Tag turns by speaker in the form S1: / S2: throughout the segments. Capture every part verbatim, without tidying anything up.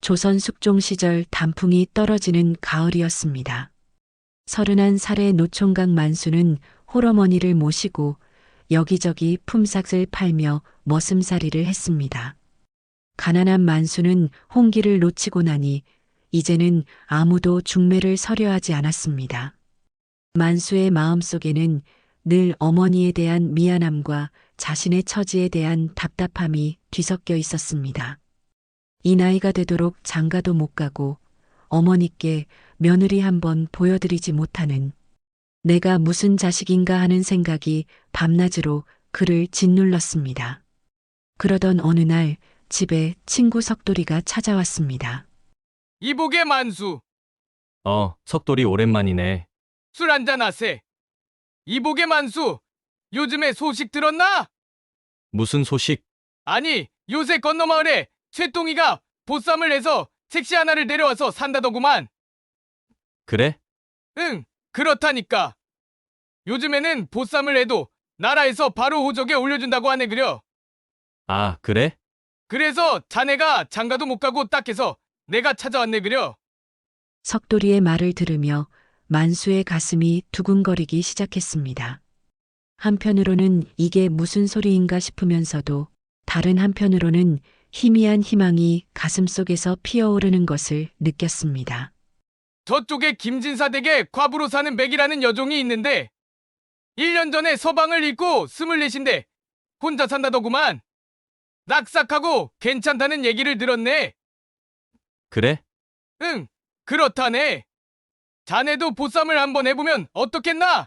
S1: 조선 숙종 시절 단풍이 떨어지는 가을이었습니다. 서른한 살의 노총각 만수는 홀어머니를 모시고 여기저기 품삯을 팔며 머슴살이를 했습니다. 가난한 만수는 홍기를 놓치고 나니 이제는 아무도 중매를 서려 하지 않았습니다. 만수의 마음속에는 늘 어머니에 대한 미안함과 자신의 처지에 대한 답답함이 뒤섞여 있었습니다. 이 나이가 되도록 장가도 못 가고 어머니께 며느리 한번 보여드리지 못하는 내가 무슨 자식인가 하는 생각이 밤낮으로 그를 짓눌렀습니다. 그러던 어느 날 집에 친구 석돌이가 찾아왔습니다.
S2: 이복의 만수,
S3: 어, 석돌이 오랜만이네.
S2: 술 한잔 하세. 이복의 만수, 요즘에 소식 들었나?
S3: 무슨 소식?
S2: 아니, 요새 건너마을에 쇠똥이가 보쌈을 해서 색시 하나를 내려와서 산다더구만.
S3: 그래?
S2: 응, 그렇다니까. 요즘에는 보쌈을 해도 나라에서 바로 호적에 올려준다고 하네 그려.
S3: 아, 그래?
S2: 그래서 자네가 장가도 못 가고 딱해서 내가 찾아왔네 그려.
S1: 석돌이의 말을 들으며 만수의 가슴이 두근거리기 시작했습니다. 한편으로는 이게 무슨 소리인가 싶으면서도 다른 한편으로는 희미한 희망이 가슴속에서 피어오르는 것을 느꼈습니다.
S2: 저쪽에 김진사 댁에 과부로 사는 맥이라는 여종이 있는데 일 년 전에 서방을 잃고 스물넷인데 혼자 산다더구만. 낙삭하고 괜찮다는 얘기를 들었네.
S3: 그래?
S2: 응, 그렇다네. 자네도 보쌈을 한번 해보면 어떻겠나?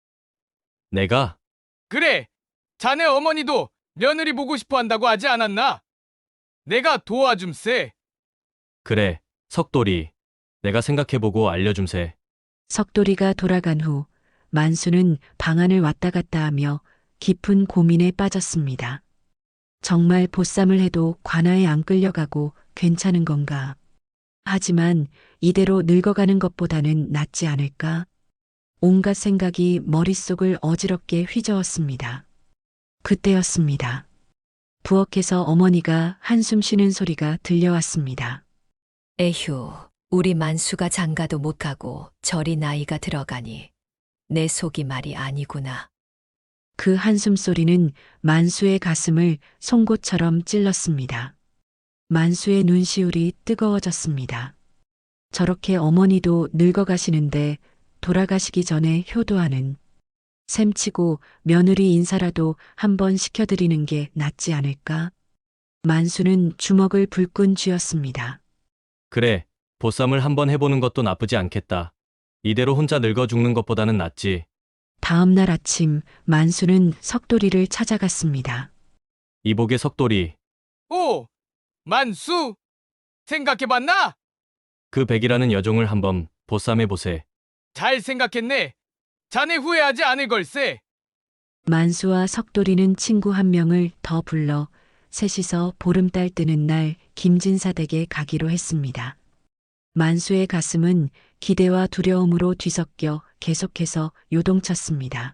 S3: 내가?
S2: 그래, 자네 어머니도 며느리 보고 싶어 한다고 하지 않았나? 내가 도와줌세.
S3: 그래, 석돌이. 내가 생각해보고 알려줌세.
S1: 석돌이가 돌아간 후 만수는 방안을 왔다 갔다 하며 깊은 고민에 빠졌습니다. 정말 보쌈을 해도 관아에 안 끌려가고 괜찮은 건가? 하지만 이대로 늙어가는 것보다는 낫지 않을까? 온갖 생각이 머릿속을 어지럽게 휘저었습니다. 그때였습니다. 부엌에서 어머니가 한숨 쉬는 소리가 들려왔습니다.
S4: 에휴, 우리 만수가 장가도 못 가고 저리 나이가 들어가니 내 속이 말이 아니구나.
S1: 그 한숨 소리는 만수의 가슴을 송곳처럼 찔렀습니다. 만수의 눈시울이 뜨거워졌습니다. 저렇게 어머니도 늙어가시는데 돌아가시기 전에 효도하는 셈치고 며느리 인사라도 한번 시켜드리는 게 낫지 않을까? 만수는 주먹을 불끈 쥐었습니다.
S3: 그래, 보쌈을 한번 해보는 것도 나쁘지 않겠다. 이대로 혼자 늙어 죽는 것보다는 낫지.
S1: 다음 날 아침 만수는 석돌이를 찾아갔습니다.
S3: 이복의 석돌이.
S2: 오, 만수! 생각해봤나?
S3: 그 백이라는 여종을 한번 보쌈해보세.
S2: 잘 생각했네. 자네 후회하지 않을 걸세.
S1: 만수와 석돌이는 친구 한 명을 더 불러 셋이서 보름달 뜨는 날 김진사 댁에 가기로 했습니다. 만수의 가슴은 기대와 두려움으로 뒤섞여 계속해서 요동쳤습니다.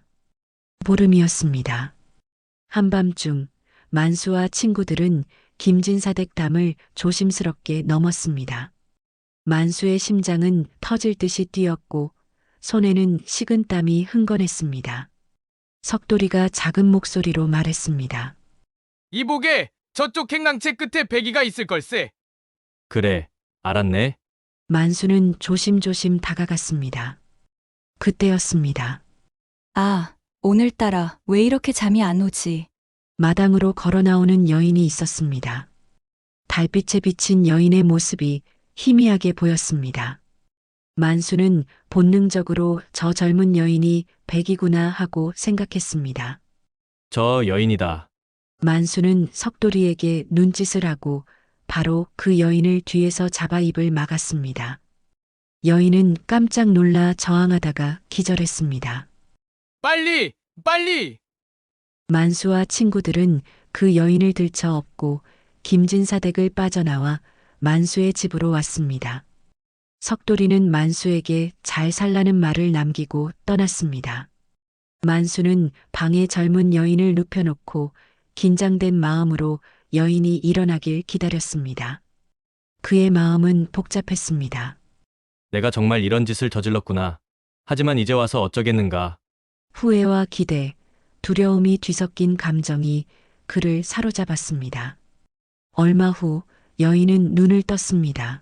S1: 보름이었습니다. 한밤중 만수와 친구들은 김진사 댁 담을 조심스럽게 넘었습니다. 만수의 심장은 터질 듯이 뛰었고 손에는 식은땀이 흥건했습니다. 석돌이가 작은 목소리로 말했습니다.
S2: 이복에 저쪽 행랑채 끝에 배기가 있을 걸세.
S3: 그래, 알았네.
S1: 만수는 조심조심 다가갔습니다. 그때였습니다.
S5: 아, 오늘따라 왜 이렇게 잠이 안 오지?
S1: 마당으로 걸어 나오는 여인이 있었습니다. 달빛에 비친 여인의 모습이 희미하게 보였습니다. 만수는 본능적으로 저 젊은 여인이 백이구나 하고 생각했습니다.
S3: 저 여인이다.
S1: 만수는 석돌이에게 눈짓을 하고 바로 그 여인을 뒤에서 잡아 입을 막았습니다. 여인은 깜짝 놀라 저항하다가 기절했습니다.
S2: 빨리! 빨리!
S1: 만수와 친구들은 그 여인을 들쳐 업고 김진사 댁을 빠져나와 만수의 집으로 왔습니다. 석돌이는 만수에게 잘 살라는 말을 남기고 떠났습니다. 만수는 방에 젊은 여인을 눕혀놓고 긴장된 마음으로 여인이 일어나길 기다렸습니다. 그의 마음은 복잡했습니다.
S3: 내가 정말 이런 짓을 저질렀구나. 하지만 이제 와서 어쩌겠는가.
S1: 후회와 기대, 두려움이 뒤섞인 감정이 그를 사로잡았습니다. 얼마 후 여인은 눈을 떴습니다.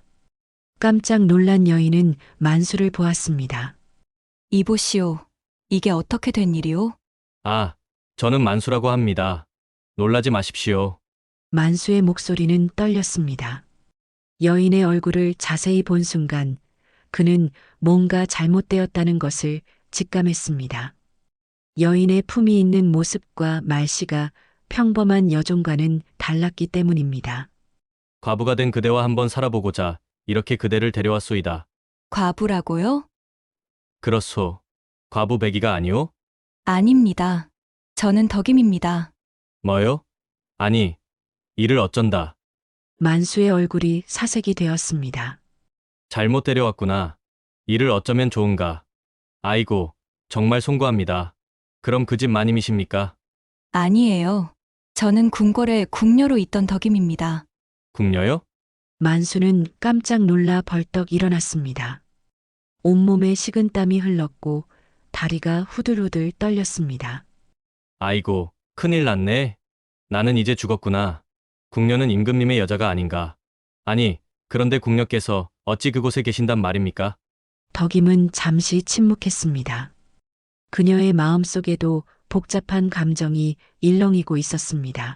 S1: 깜짝 놀란 여인은 만수를 보았습니다.
S5: 이보시오. 이게 어떻게 된 일이오?
S3: 아, 저는 만수라고 합니다. 놀라지 마십시오.
S1: 만수의 목소리는 떨렸습니다. 여인의 얼굴을 자세히 본 순간 그는 뭔가 잘못되었다는 것을 직감했습니다. 여인의 품이 있는 모습과 말씨가 평범한 여종과는 달랐기 때문입니다.
S3: 과부가 된 그대와 한번 살아보고자 이렇게 그대를 데려왔소이다.
S5: 과부라고요?
S3: 그렇소. 과부 백이가 아니오?
S5: 아닙니다. 저는 덕임입니다.
S3: 뭐요? 아니, 이를 어쩐다.
S1: 만수의 얼굴이 사색이 되었습니다.
S3: 잘못 데려왔구나. 이를 어쩌면 좋은가. 아이고, 정말 송구합니다. 그럼 그 집 마님이십니까?
S5: 아니에요. 저는 궁궐에 궁녀로 있던 덕임입니다.
S3: 궁녀요?
S1: 만수는 깜짝 놀라 벌떡 일어났습니다. 온몸에 식은땀이 흘렀고 다리가 후들후들 떨렸습니다.
S3: 아이고, 큰일 났네. 나는 이제 죽었구나. 궁녀는 임금님의 여자가 아닌가. 아니, 그런데 궁녀께서 어찌 그곳에 계신단 말입니까?
S1: 덕임은 잠시 침묵했습니다. 그녀의 마음속에도 복잡한 감정이 일렁이고 있었습니다.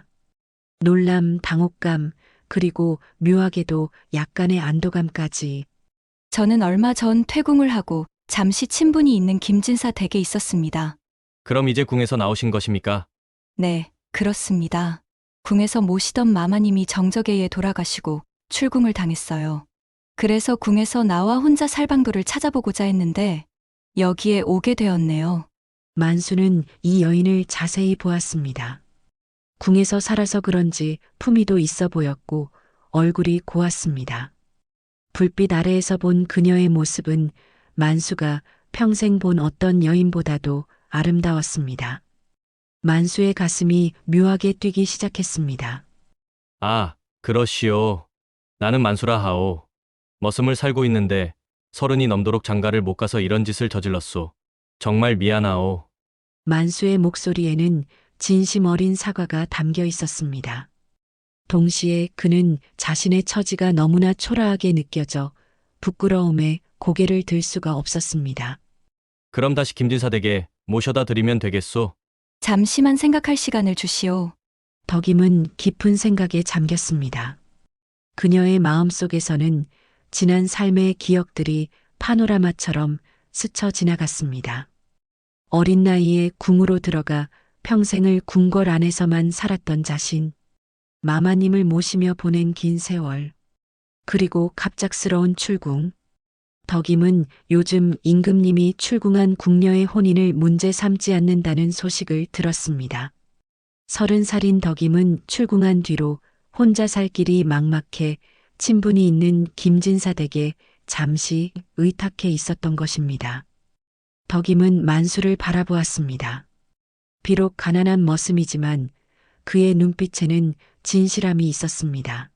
S1: 놀람, 당혹감, 그리고 묘하게도 약간의 안도감까지.
S5: 저는 얼마 전 퇴궁을 하고 잠시 친분이 있는 김진사 댁에 있었습니다.
S3: 그럼 이제 궁에서 나오신 것입니까?
S5: 네, 그렇습니다. 궁에서 모시던 마마님이 정적에 돌아가시고 출궁을 당했어요. 그래서 궁에서 나와 혼자 살 방도를 찾아보고자 했는데 여기에 오게 되었네요.
S1: 만수는 이 여인을 자세히 보았습니다. 궁에서 살아서 그런지 품위도 있어 보였고 얼굴이 고왔습니다. 불빛 아래에서 본 그녀의 모습은 만수가 평생 본 어떤 여인보다도 아름다웠습니다. 만수의 가슴이 묘하게 뛰기 시작했습니다.
S3: 아, 그러시오. 나는 만수라 하오. 머슴을 살고 있는데 서른이 넘도록 장가를 못 가서 이런 짓을 저질렀소. 정말 미안하오.
S1: 만수의 목소리에는 진심 어린 사과가 담겨 있었습니다. 동시에 그는 자신의 처지가 너무나 초라하게 느껴져 부끄러움에 고개를 들 수가 없었습니다.
S3: 그럼 다시 김진사 댁에 모셔다 드리면 되겠소?
S5: 잠시만 생각할 시간을 주시오.
S1: 덕임은 깊은 생각에 잠겼습니다. 그녀의 마음속에서는 지난 삶의 기억들이 파노라마처럼 스쳐 지나갔습니다. 어린 나이에 궁으로 들어가 평생을 궁궐 안에서만 살았던 자신, 마마님을 모시며 보낸 긴 세월, 그리고 갑작스러운 출궁. 덕임은 요즘 임금님이 출궁한 궁녀의 혼인을 문제 삼지 않는다는 소식을 들었습니다. 서른 살인 덕임은 출궁한 뒤로 혼자 살 길이 막막해 친분이 있는 김진사 댁에 잠시 의탁해 있었던 것입니다. 덕임은 만수를 바라보았습니다. 비록 가난한 머슴이지만 그의 눈빛에는 진실함이 있었습니다.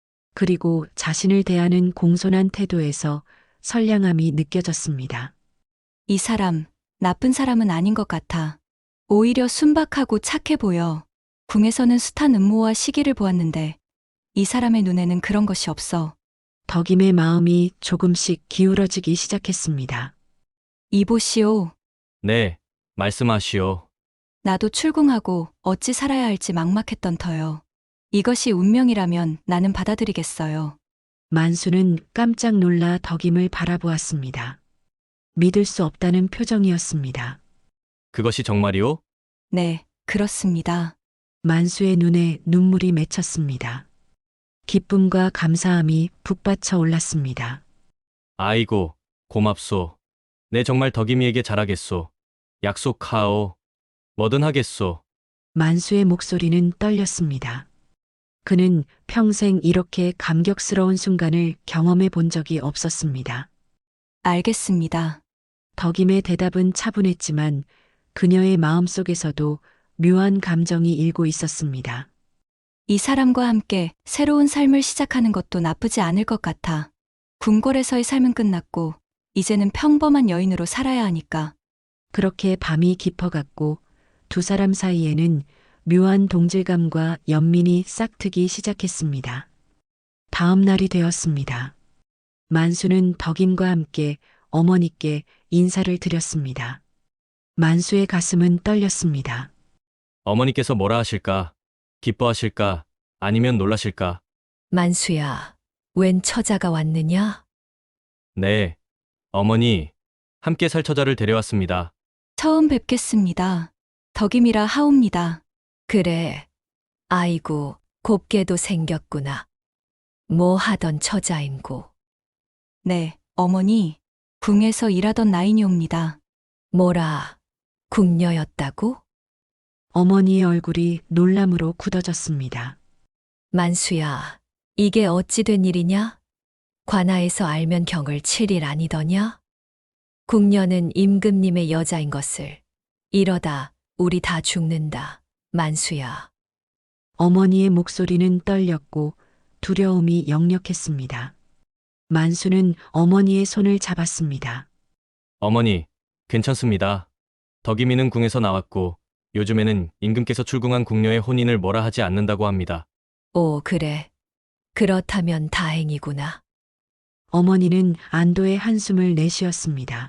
S1: 그리고 자신을 대하는 공손한 태도에서 선량함이 느껴졌습니다.
S5: 이 사람, 나쁜 사람은 아닌 것 같아. 오히려 순박하고 착해 보여. 궁에서는 숱한 음모와 시기를 보았는데 이 사람의 눈에는 그런 것이 없어.
S1: 덕임의 마음이 조금씩 기울어지기 시작했습니다.
S5: 이보시오.
S3: 네, 말씀하시오.
S5: 나도 출궁하고 어찌 살아야 할지 막막했던 터요. 이것이 운명이라면 나는 받아들이겠어요.
S1: 만수는 깜짝 놀라 덕임을 바라보았습니다. 믿을 수 없다는 표정이었습니다.
S3: 그것이 정말이오?
S5: 네, 그렇습니다.
S1: 만수의 눈에 눈물이 맺혔습니다. 기쁨과 감사함이 북받쳐 올랐습니다.
S3: 아이고, 고맙소. 내 정말 덕임이에게 잘하겠소. 약속하오. 뭐든 하겠소.
S1: 만수의 목소리는 떨렸습니다. 그는 평생 이렇게 감격스러운 순간을 경험해 본 적이 없었습니다.
S5: 알겠습니다.
S1: 덕임의 대답은 차분했지만 그녀의 마음속에서도 묘한 감정이 일고 있었습니다.
S5: 이 사람과 함께 새로운 삶을 시작하는 것도 나쁘지 않을 것 같아. 궁궐에서의 삶은 끝났고, 이제는 평범한 여인으로 살아야 하니까.
S1: 그렇게 밤이 깊어갔고 두 사람 사이에는 묘한 동질감과 연민이 싹트기 시작했습니다. 다음 날이 되었습니다. 만수는 덕임과 함께 어머니께 인사를 드렸습니다. 만수의 가슴은 떨렸습니다.
S3: 어머니께서 뭐라 하실까? 기뻐하실까? 아니면 놀라실까?
S4: 만수야, 웬 처자가 왔느냐?
S3: 네. 어머니, 함께 살 처자를 데려왔습니다.
S5: 처음 뵙겠습니다. 덕임이라 하옵니다.
S4: 그래. 아이고, 곱게도 생겼구나. 뭐 하던 처자인고.
S5: 네, 어머니. 궁에서 일하던 나이니옵니다.
S4: 뭐라, 궁녀였다고?
S1: 어머니의 얼굴이 놀람으로 굳어졌습니다.
S4: 만수야, 이게 어찌 된 일이냐? 관아에서 알면 경을 칠 일 아니더냐? 궁녀는 임금님의 여자인 것을. 이러다 우리 다 죽는다, 만수야.
S1: 어머니의 목소리는 떨렸고 두려움이 역력했습니다. 만수는 어머니의 손을 잡았습니다.
S3: 어머니, 괜찮습니다. 덕이미는 궁에서 나왔고, 요즘에는 임금께서 출궁한 궁녀의 혼인을 뭐라 하지 않는다고 합니다.
S4: 오, 그래. 그렇다면 다행이구나.
S1: 어머니는 안도의 한숨을 내쉬었습니다.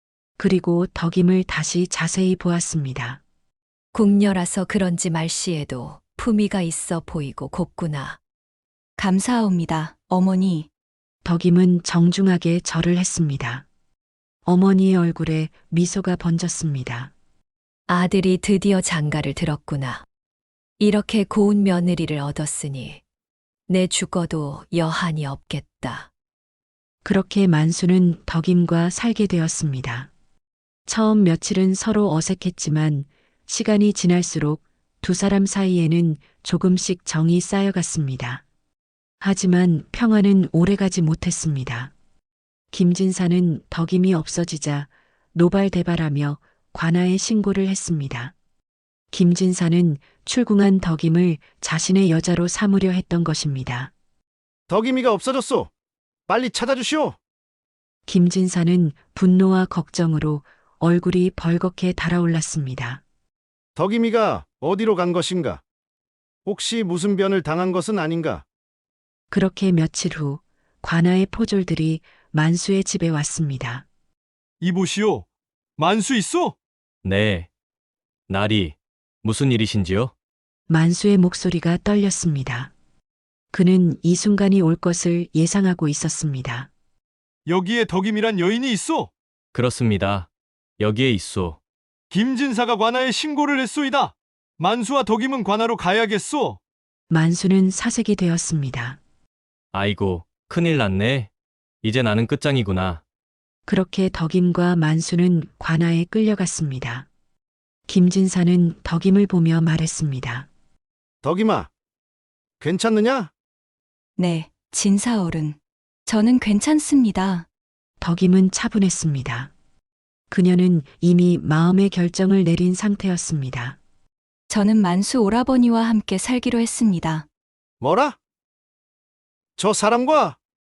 S1: 그리고 덕임을 다시 자세히 보았습니다.
S4: 궁녀라서 그런지 말씨에도 품위가 있어 보이고 곱구나.
S5: 감사하옵니다, 어머니.
S1: 덕임은 정중하게 절을 했습니다. 어머니의 얼굴에 미소가 번졌습니다.
S4: 아들이 드디어 장가를 들었구나. 이렇게 고운 며느리를 얻었으니 내 죽어도 여한이 없겠다.
S1: 그렇게 만수는 덕임과 살게 되었습니다. 처음 며칠은 서로 어색했지만 시간이 지날수록 두 사람 사이에는 조금씩 정이 쌓여갔습니다. 하지만 평화는 오래가지 못했습니다. 김진사는 덕임이 없어지자 노발대발하며 관아에 신고를 했습니다. 김진사는 출궁한 덕임을 자신의 여자로 삼으려 했던 것입니다.
S6: 덕임이가 없어졌소. 빨리 찾아주시오.
S1: 김진사는 분노와 걱정으로 얼굴이 벌겋게 달아올랐습니다.
S6: 덕임이가 어디로 간 것인가? 혹시 무슨 변을 당한 것은 아닌가?
S1: 그렇게 며칠 후 관아의 포졸들이 만수의 집에 왔습니다.
S2: 이보시오. 만수 있어?
S3: 네. 나리, 무슨 일이신지요?
S1: 만수의 목소리가 떨렸습니다. 그는 이 순간이 올 것을 예상하고 있었습니다.
S2: 여기에 덕임이란 여인이 있어.
S3: 그렇습니다. 여기에 있소.
S2: 김진사가 관아에 신고를 했소이다. 만수와 덕임은 관아로 가야겠소.
S1: 만수는 사색이 되었습니다.
S3: 아이고, 큰일 났네. 이제 나는 끝장이구나.
S1: 그렇게 덕임과 만수는 관아에 끌려갔습니다. 김진사는 덕임을 보며 말했습니다.
S6: 덕임아, 괜찮느냐?
S5: 네, 진사어른. 저는 괜찮습니다.
S1: 덕임은 차분했습니다. 그녀는 이미 마음의 결정을 내린 상태였습니다.
S5: 저는 만수 오라버니와 함께 살기로 했습니다.
S6: 뭐라? 저 사람과?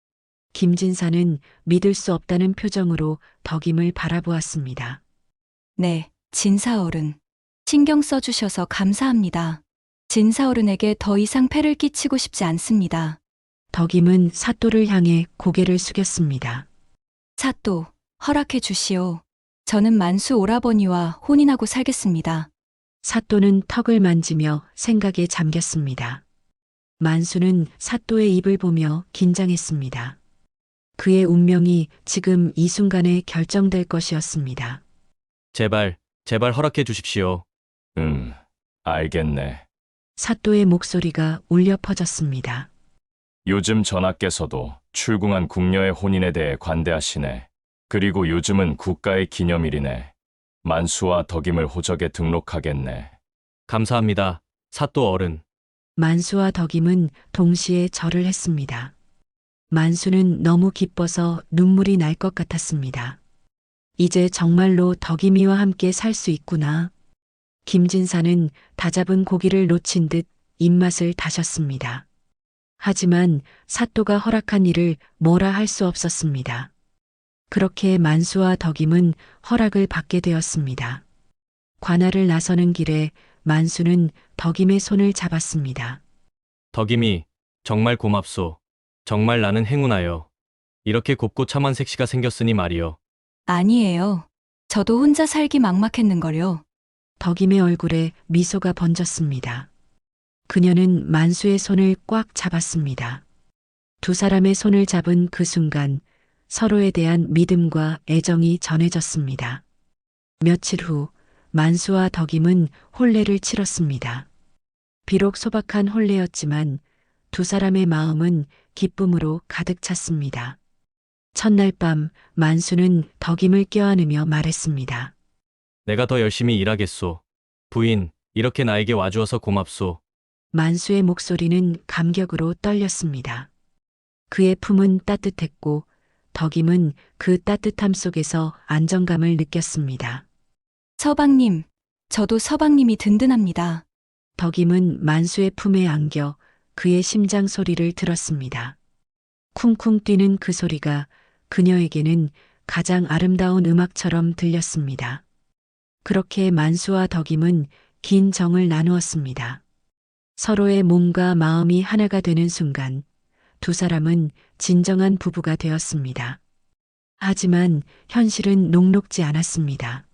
S1: 김진사는 믿을 수 없다는 표정으로 덕임을 바라보았습니다.
S5: 네, 진사어른. 신경 써주셔서 감사합니다. 진사어른에게 더 이상 폐를 끼치고 싶지 않습니다.
S1: 덕임은 사또를 향해 고개를 숙였습니다.
S5: 사또, 허락해 주시오. 저는 만수 오라버니와 혼인하고 살겠습니다.
S1: 사또는 턱을 만지며 생각에 잠겼습니다. 만수는 사또의 입을 보며 긴장했습니다. 그의 운명이 지금 이 순간에 결정될 것이었습니다.
S3: 제발, 제발 허락해 주십시오.
S7: 음, 알겠네.
S1: 사또의 목소리가 울려 퍼졌습니다.
S7: 요즘 전하께서도 출궁한 궁녀의 혼인에 대해 관대하시네. 그리고 요즘은 국가의 기념일이네. 만수와 덕임을 호적에 등록하겠네.
S3: 감사합니다. 사또 어른.
S1: 만수와 덕임은 동시에 절을 했습니다. 만수는 너무 기뻐서 눈물이 날 것 같았습니다. 이제 정말로 덕임이와 함께 살 수 있구나. 김진사는 다잡은 고기를 놓친 듯 입맛을 다셨습니다. 하지만 사또가 허락한 일을 뭐라 할 수 없었습니다. 그렇게 만수와 덕임은 허락을 받게 되었습니다. 관할을 나서는 길에 만수는 덕임의 손을 잡았습니다.
S3: 덕임이 정말 고맙소. 정말 나는 행운하여. 이렇게 곱고 참한 색시가 생겼으니 말이여.
S5: 아니에요. 저도 혼자 살기 막막했는걸요.
S1: 덕임의 얼굴에 미소가 번졌습니다. 그녀는 만수의 손을 꽉 잡았습니다. 두 사람의 손을 잡은 그 순간 서로에 대한 믿음과 애정이 전해졌습니다. 며칠 후 만수와 덕임은 혼례를 치렀습니다. 비록 소박한 혼례였지만 두 사람의 마음은 기쁨으로 가득 찼습니다. 첫날 밤 만수는 덕임을 껴안으며 말했습니다.
S3: 내가 더 열심히 일하겠소. 부인, 이렇게 나에게 와주어서 고맙소.
S1: 만수의 목소리는 감격으로 떨렸습니다. 그의 품은 따뜻했고 덕임은 그 따뜻함 속에서 안정감을 느꼈습니다.
S5: 서방님, 저도 서방님이 든든합니다.
S1: 덕임은 만수의 품에 안겨 그의 심장 소리를 들었습니다. 쿵쿵 뛰는 그 소리가 그녀에게는 가장 아름다운 음악처럼 들렸습니다. 그렇게 만수와 덕임은 긴 정을 나누었습니다. 서로의 몸과 마음이 하나가 되는 순간 두 사람은 진정한 부부가 되었습니다. 하지만 현실은 녹록지 않았습니다.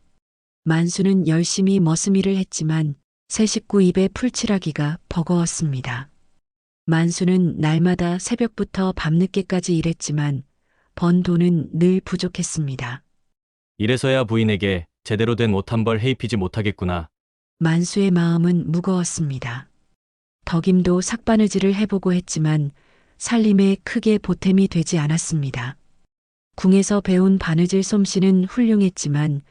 S1: 만수는 열심히 머슴일을 했지만 새 식구 입에 풀칠하기가 버거웠습니다. 만수는 날마다 새벽부터 밤늦게까지 일했지만 번 돈은 늘 부족했습니다.
S3: 이래서야 부인에게 제대로 된 옷 한 벌 해입히지 못하겠구나.
S1: 만수의 마음은 무거웠습니다. 덕임도 삭바느질을 해보고 했지만 살림에 크게 보탬이 되지 않았습니다. 궁에서 배운 바느질 솜씨는 훌륭했지만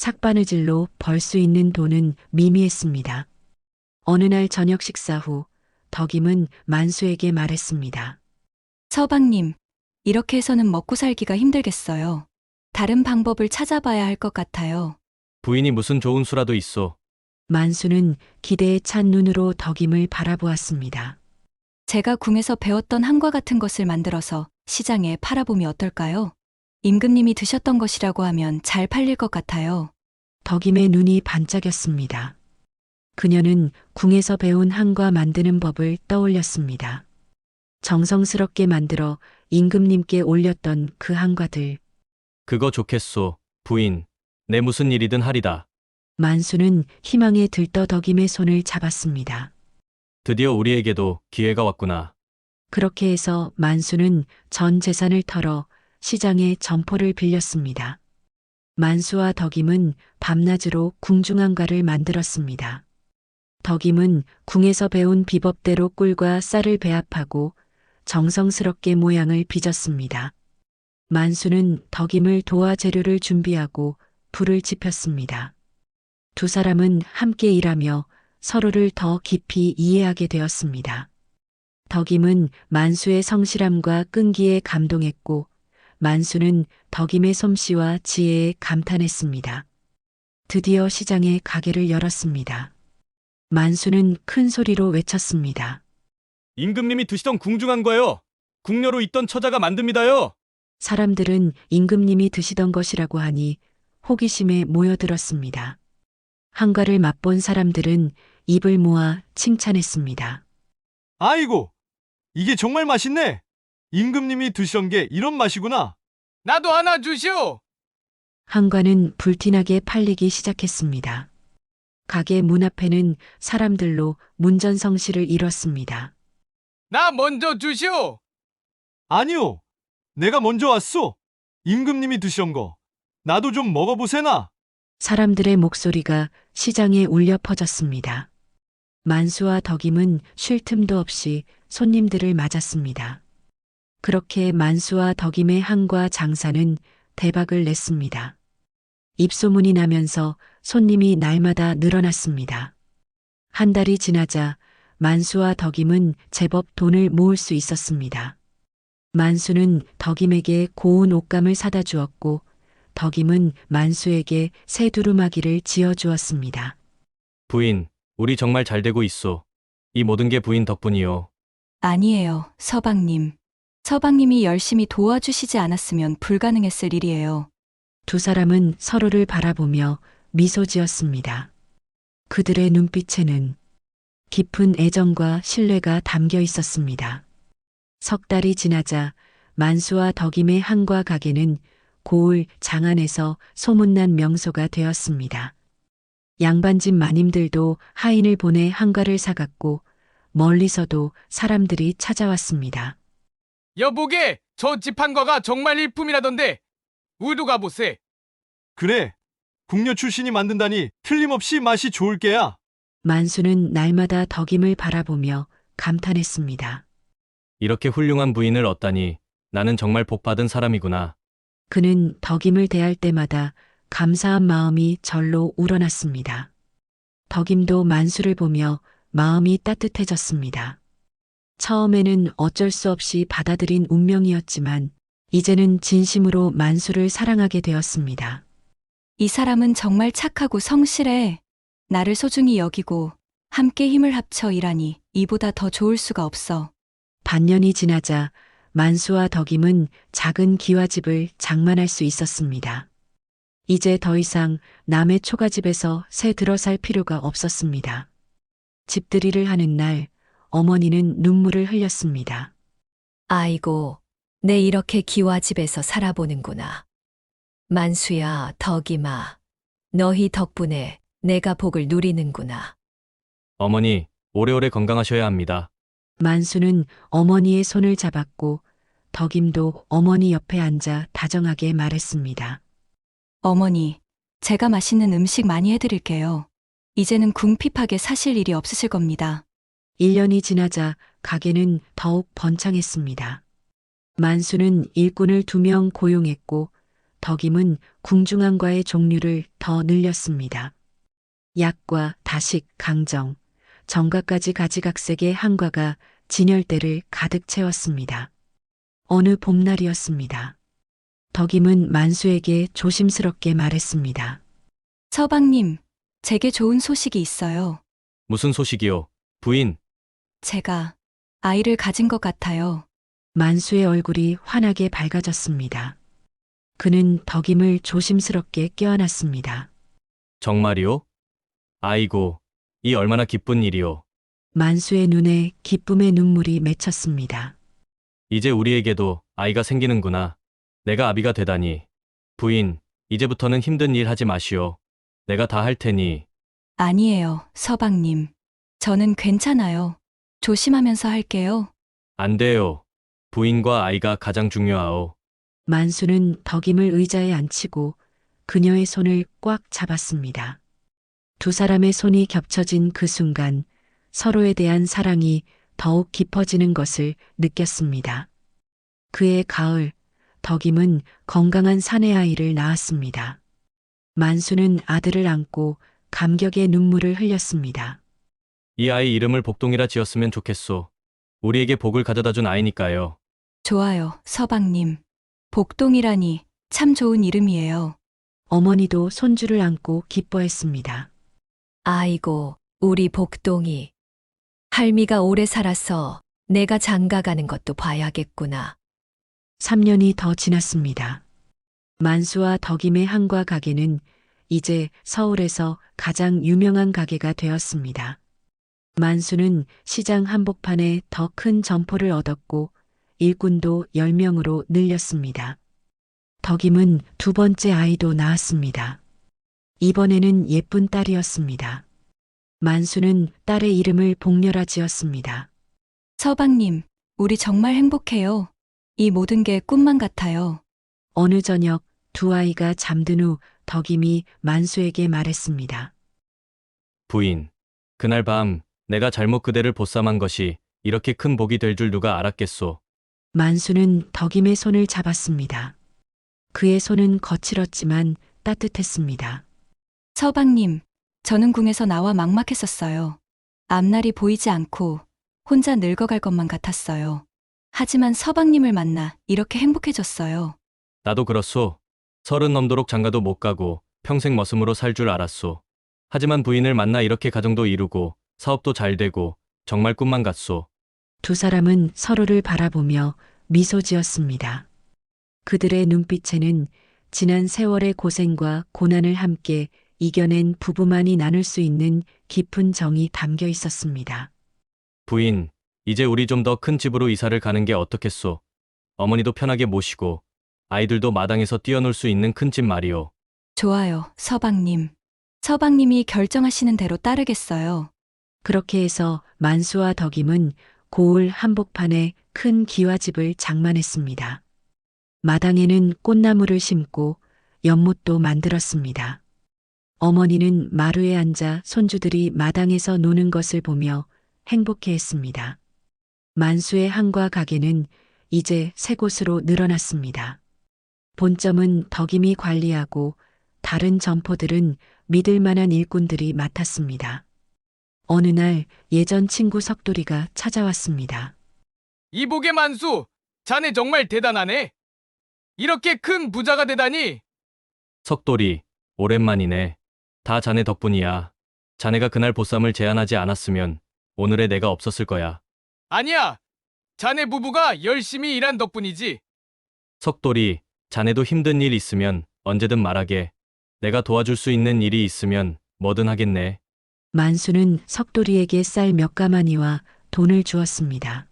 S1: 삭바느질로 벌 수 있는 돈은 미미했습니다. 어느 날 저녁 식사 후 덕임은 만수에게 말했습니다.
S5: 서방님, 이렇게 해서는 먹고 살기가 힘들겠어요. 다른 방법을 찾아봐야 할 것 같아요.
S3: 부인이 무슨 좋은 수라도 있소.
S1: 만수는 기대에 찬 눈으로 덕임을 바라보았습니다.
S5: 제가 궁에서 배웠던 한과 같은 것을 만들어서 시장에 팔아보면 어떨까요? 임금님이 드셨던 것이라고 하면 잘 팔릴 것 같아요.
S1: 덕임의 눈이 반짝였습니다. 그녀는 궁에서 배운 한과 만드는 법을 떠올렸습니다. 정성스럽게 만들어 임금님께 올렸던 그 한과들.
S3: 그거 좋겠소. 부인, 내 무슨 일이든 하리다.
S1: 만수는 희망에 들떠 덕임의 손을 잡았습니다.
S3: 드디어 우리에게도 기회가 왔구나.
S1: 그렇게 해서 만수는 전 재산을 털어 시장에 점포를 빌렸습니다. 만수와 덕임은 밤낮으로 궁중한과를 만들었습니다. 덕임은 궁에서 배운 비법대로 꿀과 쌀을 배합하고 정성스럽게 모양을 빚었습니다. 만수는 덕임을 도와 재료를 준비하고 불을 지폈습니다. 두 사람은 함께 일하며 서로를 더 깊이 이해하게 되었습니다. 덕임은 만수의 성실함과 끈기에 감동했고 만수는 덕임의 솜씨와 지혜에 감탄했습니다. 드디어 시장에 가게를 열었습니다. 만수는 큰 소리로 외쳤습니다.
S3: 임금님이 드시던 궁중한과요. 궁녀로 있던 처자가 만듭니다요.
S1: 사람들은 임금님이 드시던 것이라고 하니 호기심에 모여들었습니다. 한과를 맛본 사람들은 입을 모아 칭찬했습니다.
S8: 아이고, 이게 정말 맛있네. 임금님이 드시던 게 이런 맛이구나.
S2: 나도 하나 주시오.
S1: 한과는 불티나게 팔리기 시작했습니다. 가게 문 앞에는 사람들로 문전성시를 이뤘습니다.
S2: 나 먼저 주시오.
S8: 아니요, 내가 먼저 왔소. 임금님이 드시던 거. 나도 좀 먹어보세나.
S1: 사람들의 목소리가 시장에 울려 퍼졌습니다. 만수와 덕임은 쉴 틈도 없이 손님들을 맞았습니다. 그렇게 만수와 덕임의 한과 장사는 대박을 냈습니다. 입소문이 나면서 손님이 날마다 늘어났습니다. 한 달이 지나자 만수와 덕임은 제법 돈을 모을 수 있었습니다. 만수는 덕임에게 고운 옷감을 사다 주었고 덕임은 만수에게 새 두루마기를 지어 주었습니다.
S3: 부인, 우리 정말 잘 되고 있소. 이 모든 게 부인 덕분이요.
S5: 아니에요, 서방님. 서방님이 열심히 도와주시지 않았으면 불가능했을 일이에요.
S1: 두 사람은 서로를 바라보며 미소 지었습니다. 그들의 눈빛에는 깊은 애정과 신뢰가 담겨 있었습니다. 석 달이 지나자 만수와 덕임의 한과 가게는 고을 장안에서 소문난 명소가 되었습니다. 양반집 마님들도 하인을 보내 한과를 사갔고 멀리서도 사람들이 찾아왔습니다.
S2: 여보게, 저 집 한과가 정말 일품이라던데. 우리도 가보세.
S8: 그래. 궁녀 출신이 만든다니 틀림없이 맛이 좋을 게야.
S1: 만수는 날마다 덕임을 바라보며 감탄했습니다.
S3: 이렇게 훌륭한 부인을 얻다니 나는 정말 복받은 사람이구나.
S1: 그는 덕임을 대할 때마다 감사한 마음이 절로 우러났습니다. 덕임도 만수를 보며 마음이 따뜻해졌습니다. 처음에는 어쩔 수 없이 받아들인 운명이었지만 이제는 진심으로 만수를 사랑하게 되었습니다.
S5: 이 사람은 정말 착하고 성실해. 나를 소중히 여기고 함께 힘을 합쳐 일하니 이보다 더 좋을 수가 없어.
S1: 반년이 지나자 만수와 덕임은 작은 기와집을 장만할 수 있었습니다. 이제 더 이상 남의 초가집에서 새 들어 살 필요가 없었습니다. 집들이를 하는 날 어머니는 눈물을 흘렸습니다.
S4: 아이고, 내 이렇게 기와집에서 살아보는구나. 만수야, 덕임아, 너희 덕분에 내가 복을 누리는구나.
S3: 어머니, 오래오래 건강하셔야 합니다.
S1: 만수는 어머니의 손을 잡았고 덕임도 어머니 옆에 앉아 다정하게 말했습니다.
S5: 어머니, 제가 맛있는 음식 많이 해드릴게요. 이제는 궁핍하게 사실 일이 없으실 겁니다.
S1: 일 년이 지나자 가게는 더욱 번창했습니다. 만수는 일꾼을 두 명 고용했고 덕임은 궁중안과의 종류를 더 늘렸습니다. 약과 다식, 강정, 정가까지 가지각색의 한과가 진열대를 가득 채웠습니다. 어느 봄날이었습니다. 덕임은 만수에게 조심스럽게 말했습니다.
S5: 서방님, 제게 좋은 소식이 있어요.
S3: 무슨 소식이요? 부인,
S5: 제가 아이를 가진 것 같아요.
S1: 만수의 얼굴이 환하게 밝아졌습니다. 그는 덕임을 조심스럽게 껴안았습니다.
S3: 정말이요? 아이고, 이 얼마나 기쁜 일이요.
S1: 만수의 눈에 기쁨의 눈물이 맺혔습니다.
S3: 이제 우리에게도 아이가 생기는구나. 내가 아비가 되다니. 부인, 이제부터는 힘든 일 하지 마시오. 내가 다 할 테니.
S5: 아니에요, 서방님. 저는 괜찮아요. 조심하면서 할게요.
S3: 안 돼요. 부인과 아이가 가장 중요하오.
S1: 만수는 덕임을 의자에 앉히고 그녀의 손을 꽉 잡았습니다. 두 사람의 손이 겹쳐진 그 순간 서로에 대한 사랑이 더욱 깊어지는 것을 느꼈습니다. 그해 가을, 덕임은 건강한 사내 아이를 낳았습니다. 만수는 아들을 안고 감격의 눈물을 흘렸습니다.
S3: 이 아이 이름을 복동이라 지었으면 좋겠소. 우리에게 복을 가져다 준 아이니까요.
S5: 좋아요, 서방님. 복동이라니 참 좋은 이름이에요.
S1: 어머니도 손주를 안고 기뻐했습니다.
S4: 아이고, 우리 복동이. 할미가 오래 살아서 내가 장가 가는 것도 봐야겠구나.
S1: 삼 년이 더 지났습니다. 만수와 덕임의 한과 가게는 이제 서울에서 가장 유명한 가게가 되었습니다. 만수는 시장 한복판에 더 큰 점포를 얻었고 일꾼도 열 명으로 늘렸습니다. 덕임은 두 번째 아이도 낳았습니다. 이번에는 예쁜 딸이었습니다. 만수는 딸의 이름을 복렬아 지었습니다.
S5: 서방님, 우리 정말 행복해요. 이 모든 게 꿈만 같아요.
S1: 어느 저녁 두 아이가 잠든 후 덕임이 만수에게 말했습니다.
S3: 부인, 그날 밤 내가 잘못 그대를 보쌈한 것이 이렇게 큰 복이 될 줄 누가 알았겠소.
S1: 만수는 덕임의 손을 잡았습니다. 그의 손은 거칠었지만 따뜻했습니다.
S5: 서방님, 저는 궁에서 나와 막막했었어요. 앞날이 보이지 않고 혼자 늙어갈 것만 같았어요. 하지만 서방님을 만나 이렇게 행복해졌어요.
S3: 나도 그렇소. 서른 넘도록 장가도 못 가고 평생 머슴으로 살 줄 알았소. 하지만 부인을 만나 이렇게 가정도 이루고 사업도 잘 되고 정말 꿈만 같소.
S1: 두 사람은 서로를 바라보며 미소 지었습니다. 그들의 눈빛에는 지난 세월의 고생과 고난을 함께 이겨낸 부부만이 나눌 수 있는 깊은 정이 담겨 있었습니다.
S3: 부인, 이제 우리 좀 더 큰 집으로 이사를 가는 게 어떻겠소? 어머니도 편하게 모시고 아이들도 마당에서 뛰어놀 수 있는 큰 집 말이오.
S5: 좋아요, 서방님. 서방님이 결정하시는 대로 따르겠어요.
S1: 그렇게 해서 만수와 덕임은 고을 한복판에 큰 기와집을 장만했습니다. 마당에는 꽃나무를 심고 연못도 만들었습니다. 어머니는 마루에 앉아 손주들이 마당에서 노는 것을 보며 행복해했습니다. 만수의 한과 가게는 이제 새 곳으로 늘어났습니다. 본점은 덕임이 관리하고 다른 점포들은 믿을 만한 일꾼들이 맡았습니다. 어느 날 예전 친구 석돌이가 찾아왔습니다.
S2: 이복의 만수, 자네 정말 대단하네. 이렇게 큰 부자가 되다니.
S3: 석돌이, 오랜만이네. 다 자네 덕분이야. 자네가 그날 보쌈을 제안하지 않았으면 오늘의 내가 없었을 거야.
S2: 아니야. 자네 부부가 열심히 일한 덕분이지.
S3: 석돌이, 자네도 힘든 일 있으면 언제든 말하게. 내가 도와줄 수 있는 일이 있으면 뭐든 하겠네.
S1: 만수는 석돌이에게 쌀 몇 가마니와 돈을 주었습니다.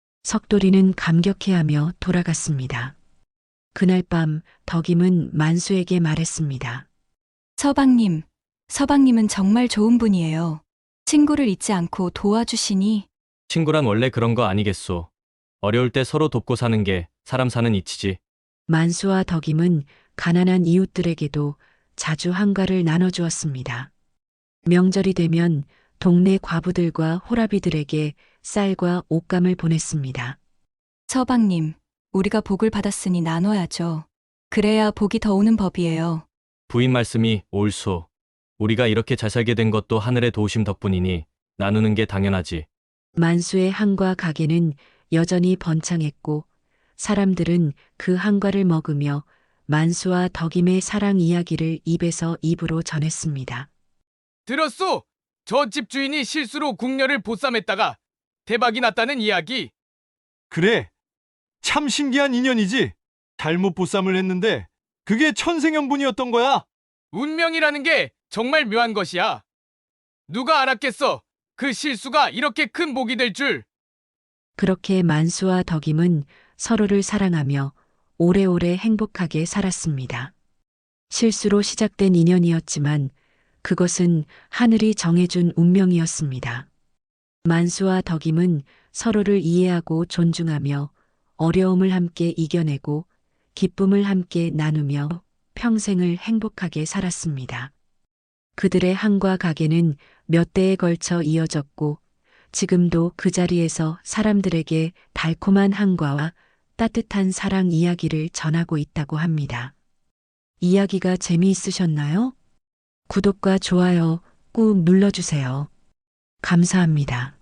S1: 석돌이는 감격해하며 돌아갔습니다. 그날 밤 덕임은 만수에게 말했습니다.
S5: 서방님, 서방님은 정말 좋은 분이에요. 친구를 잊지 않고 도와주시니
S3: 친구란 원래 그런 거 아니겠소. 어려울 때 서로 돕고 사는 게 사람 사는 이치지.
S1: 만수와 덕임은 가난한 이웃들에게도 자주 한가를 나눠주었습니다. 명절이 되면 동네 과부들과 호라비들에게 쌀과 옷감을 보냈습니다.
S5: 서방님, 우리가 복을 받았으니 나눠야죠. 그래야 복이 더 오는 법이에요.
S3: 부인 말씀이 옳소. 우리가 이렇게 잘 살게 된 것도 하늘의 도우심 덕분이니 나누는 게 당연하지.
S1: 만수의 한과 가게는 여전히 번창했고 사람들은 그 한과를 먹으며 만수와 덕임의 사랑 이야기를 입에서 입으로 전했습니다.
S2: 들었소? 저 집 주인이 실수로 궁녀를 보쌈했다가 대박이 났다는 이야기.
S8: 그래. 참 신기한 인연이지. 잘못 보쌈을 했는데 그게 천생연분이었던 거야.
S2: 운명이라는 게 정말 묘한 것이야. 누가 알았겠어? 그 실수가 이렇게 큰 복이 될 줄.
S1: 그렇게 만수와 덕임은 서로를 사랑하며 오래오래 행복하게 살았습니다. 실수로 시작된 인연이었지만 그것은 하늘이 정해준 운명이었습니다. 만수와 덕임은 서로를 이해하고 존중하며 어려움을 함께 이겨내고 기쁨을 함께 나누며 평생을 행복하게 살았습니다. 그들의 한과 가게는 몇 대에 걸쳐 이어졌고 지금도 그 자리에서 사람들에게 달콤한 한과와 따뜻한 사랑 이야기를 전하고 있다고 합니다. 이야기가 재미있으셨나요? 구독과 좋아요 꾹 눌러주세요. 감사합니다.